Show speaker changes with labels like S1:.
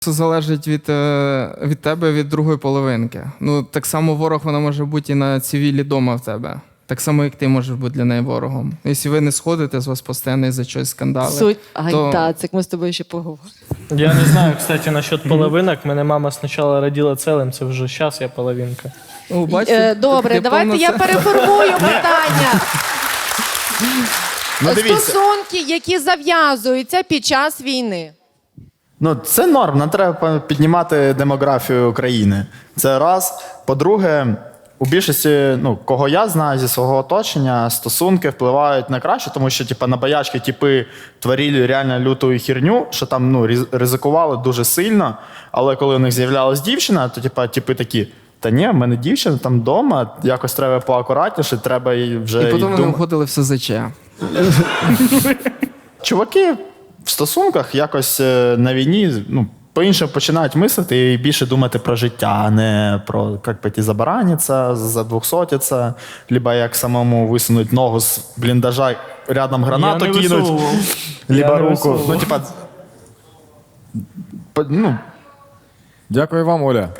S1: Це залежить від тебе, від другої половинки. Ну, так само ворог вона може бути і на цивілі дома в тебе. Так само, як ти можеш бути для неї ворогом. Якщо ви не сходите, з вас постійно за щось скандали.
S2: Суть. Ай,
S1: то...
S2: так, це ми з тобою ще поговоримо.
S3: Я не знаю, кстати, насчет половинок. Мене мама спочатку родила цілим, це вже зараз я половинка.
S1: Ну, бачите,
S2: Добре,
S1: ти
S2: давайте я
S1: повноцінна.
S2: переформую питання.
S4: Ну, дивіться.
S2: Стосунки, які зав'язуються під час війни.
S4: Ну, це норм, нам треба піднімати демографію країни. Це раз. По-друге, у більшості, ну, кого я знаю зі свого оточення, стосунки впливають на краще, тому що типу, на боячки типи творили реально люту херню, що там ну, ризикували дуже сильно, але коли у них з'являлась дівчина, то типи такі, та ні, в мене дівчина там вдома, якось треба поакуратніше, треба їй вже...
S1: І потім вони входили в СЗЧ.
S4: Чуваки в стосунках якось на війні ну, по-іншому починають мислити і більше думати про життя, а не про як пойти забараниться, задвухсотиться, либо як самому висунуть ногу з бліндажа, рядом гранату
S3: Я не
S4: кинуть,
S3: висовував.
S4: либо
S3: Я не
S4: руку.
S3: висовував.
S4: Ну, типа, ну,
S5: Дякую вам, Оля.